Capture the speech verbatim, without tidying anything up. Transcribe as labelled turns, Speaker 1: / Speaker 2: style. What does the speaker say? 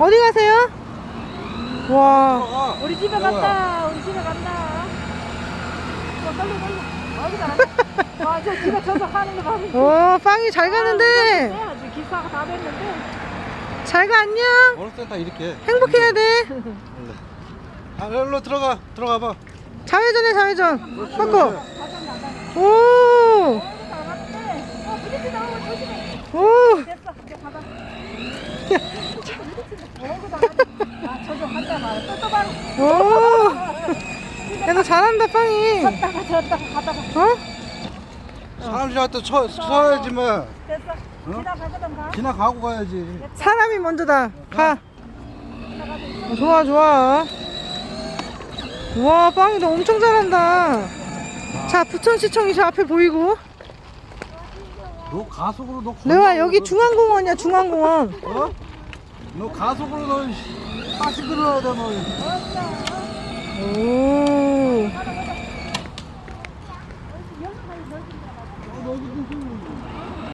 Speaker 1: 어디 가세요? 와.
Speaker 2: 어,
Speaker 3: 우리 집에
Speaker 2: 여보야.
Speaker 3: 간다. 우리 집에 간다. 어, 빨리 빨리. 어디가 안 돼? 아, 저 집에 저서 하는 거 봐도.
Speaker 1: 오, 빵이 잘 가는데.
Speaker 3: 해야지. 기사가 다 됐는데.
Speaker 1: 잘 가, 안녕.
Speaker 2: 어느 때다 이렇게.
Speaker 1: 행복해야 돼.
Speaker 2: 원래. 아, 일로 들어가. 들어가 봐.
Speaker 1: 좌회전해, 좌회전. 바꿔. 오.
Speaker 3: 어, 부딪히다. 어, 조심해.
Speaker 1: 오.
Speaker 3: 됐어. 이제 가봐. 어구다. 아, 저좀 한자 말아. 또 또 바로.
Speaker 1: 오. 야, 너 잘한다, 빵이.
Speaker 3: 졌다가 졌다가 가다가.
Speaker 1: 어?
Speaker 2: 사람들한테 쳐, 쳐야지 뭐.
Speaker 3: 됐어. 지나가거든 가.
Speaker 2: 지나가고 가야지.
Speaker 1: 사람이 먼저다. 가. 어, 좋아, 좋아. 우와, 빵이 너 엄청 잘한다. 자, 부천시청이 저 앞에 보이고.
Speaker 2: 너 가속으로 너.
Speaker 1: 레와,
Speaker 2: 건너고
Speaker 1: 여기
Speaker 2: 너-
Speaker 1: 중앙공원이야, 중앙공원.
Speaker 2: 어? 너 가속으로 너 다시 들어야 돼 너.
Speaker 1: 오.